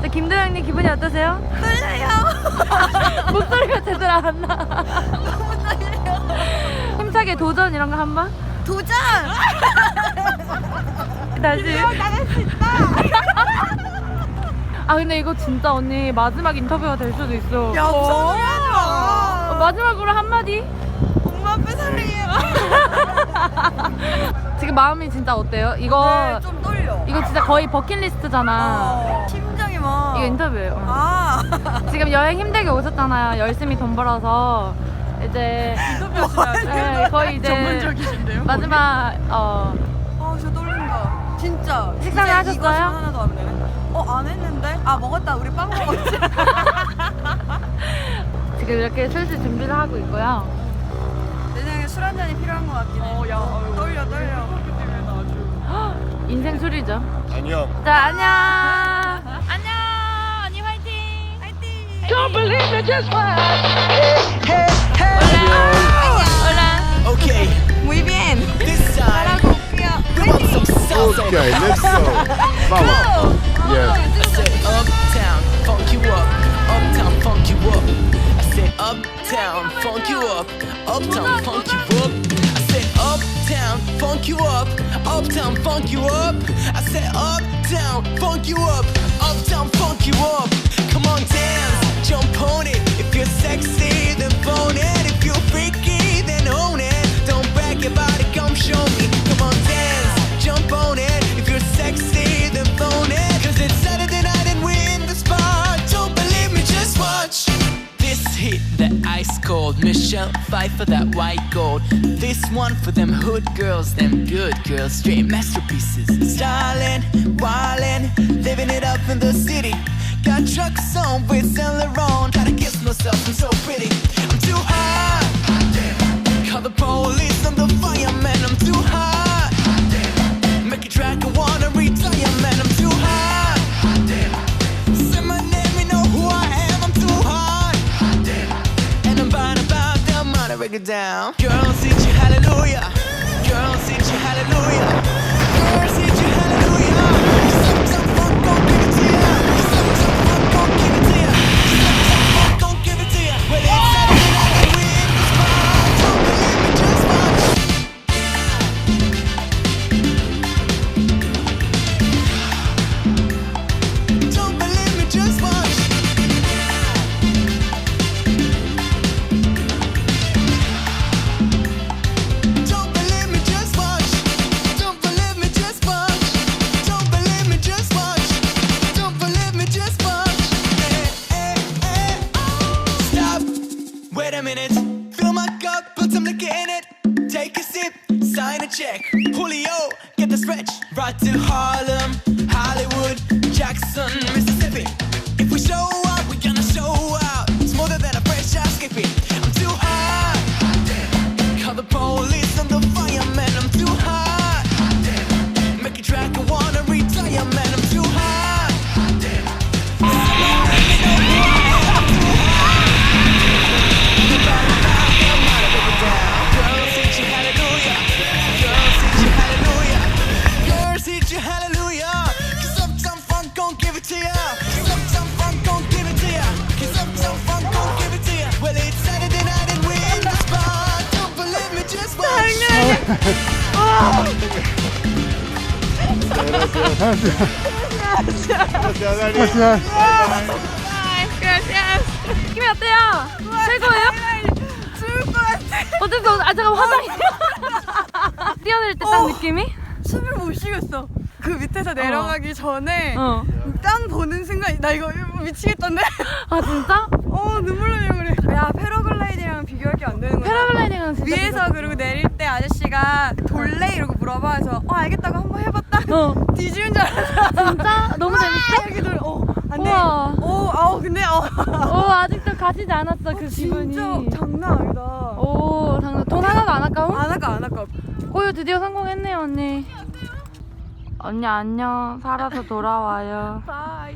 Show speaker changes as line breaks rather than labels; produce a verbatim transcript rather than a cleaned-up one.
네, 김도영님 기분이 어떠세요?
떨려요.
목소리가 제대로 안 나.
너무 떨려요.
힘차게 도전 이런 거 한번?
도전!
다시.
나갈 수 있다.
아 근데 이거 진짜 언니 마지막 인터뷰가 될 수도 있어.
야, 무슨 소리 하지 마.
어, 마지막으로 한마디?
엄마 아빠 사랑해요.
지금 마음이 진짜 어때요? 이거
네, 좀 떨려.
이거 진짜 거의 버킷리스트잖아.
어, 심장이 막.
이거 인터뷰예요. 어.
아.
지금 여행 힘들게 오셨잖아요. 열심히 돈 벌어서 이제 네, 거의 이제
전문적이신데요?
마지막 어
아, 진짜 떨린다. 진짜.
식사를
진짜
하셨어요?
이것은 하나도 안 되네. 어, 안 했는데? 아, 먹었다. 우리 빵 먹었지.
지금 이렇게 슬슬 준비를 하고 있고요.
내 생각에 술 한 잔이 필요한 것 같긴 해. 어, 야, 아유. 떨려, 떨려.
인생 술이죠.
안녕.
자 안녕. 안녕. 언니 화이팅.
화이팅!
Don't believe me, just watch. Hey,
올라.
okay,
Muy bien.
this time
올게요.
we want some salsa.
Okay, let's go. Vamos. Yes.
I said uptown, funk you up. Uptown, funk you up. I said uptown, funk you up. Uptown, funk you up. I said uptown, funk you up. Uptown, funk you up. I said uptown, funk you up. Uptown, funk you up. Come on, dance, jump on it. If you're sexy, then phone it. If you're freaky, then own it. Don't brag about it, come show me. Come on, dance, jump on it. If you're sexy, then phone it. Cause it's Saturday night and we're in the spot. Don't believe me, just watch. This hit, that ice cold. Michelle Pfeiffer, that white gold. This one for them hood girls, them good girls. Straight masterpieces. Stylin', wildin', living it up in the city. Got trucks on with Saint Laurent. Gotta kiss myself, I'm so pretty. I'm too hot. Call the police and the fireman. I'm too hot. Make a track, I wanna retire, man. I'm too hot. Say my name, you know who I am. I'm too hot. And I'm bad about the money, break it down. Girls, hit you hallelujah. Girls, hit you hallelujah. Girls, hit you hallelujah. Some, some funk, gon' give it to ya. Some, some funk, gon' give it to ya. Some, some funk, gon' give it to ya. Well, it's Saturday night and we in the spot. Don't believe me, just watch. Don't believe me, just watch. Don't believe me, just watch. Don't believe me, just watch. Don't believe me, just watch. Don't believe me, just watch. Eh, eh, eh. Stop. Wait a minute. Fill my cup, put some liquor in it. Take a sip, sign a check. Julio, get the stretch. Right to Harlem, Hollywood, Jackson, Mississippi. If we show up, we gonna show out. Smoother than a fresh ass skippy. I'm too hot. Call the police and the fireman. I'm too hot. Make a track, I wanna retire, man. I'm too hot. Girls, hit you hallelujah. Girls, hit you hallelujah. Girls, hit you hallelujah. Cause uptown funk gon' give it to ya. Cause uptown funk gon' give it to ya. Cause uptown funk gon' give it to ya. Well, it's Saturday night and we're in the spot. Don't believe me, just watch.
Gracias, Dani.
느낌이 어때요? 최고예요?
죽을 것 같아.
어쩔 수 없어. 아 잠깐 화장이. 뛰어낼 때 딱
어.
느낌이?
숨을 못 쉬겠어. 그 밑에서 내려가기 전에
어.
땅 보는 순간 나 이거 미치겠던데?
아 진짜?
어 눈물 나려고 그래. 야 패러글라이딩이랑 비교할 게 안 되는 거야.
패러글라이딩은 진짜
위에서
무섭다.
그리고 내릴 때 아저씨가 돌래 이러고 물어봐. 그래서 어 알겠다고 한번 해봤다.
어.
뒤지는 줄 알았어.
진짜? 너무 재밌어?
이렇게 돌. 어 안돼.
우와.
오 아우 근데 어.
오 아직도 가지지 않았어 그 기분이.
진짜 장난 아니다.
오 장난. 돈 하나도 안 아까워?
안 아까 안 아까.
꼬유 드디어 성공했네요 언니. 언니 안녕. 살아서 돌아와요.
바이.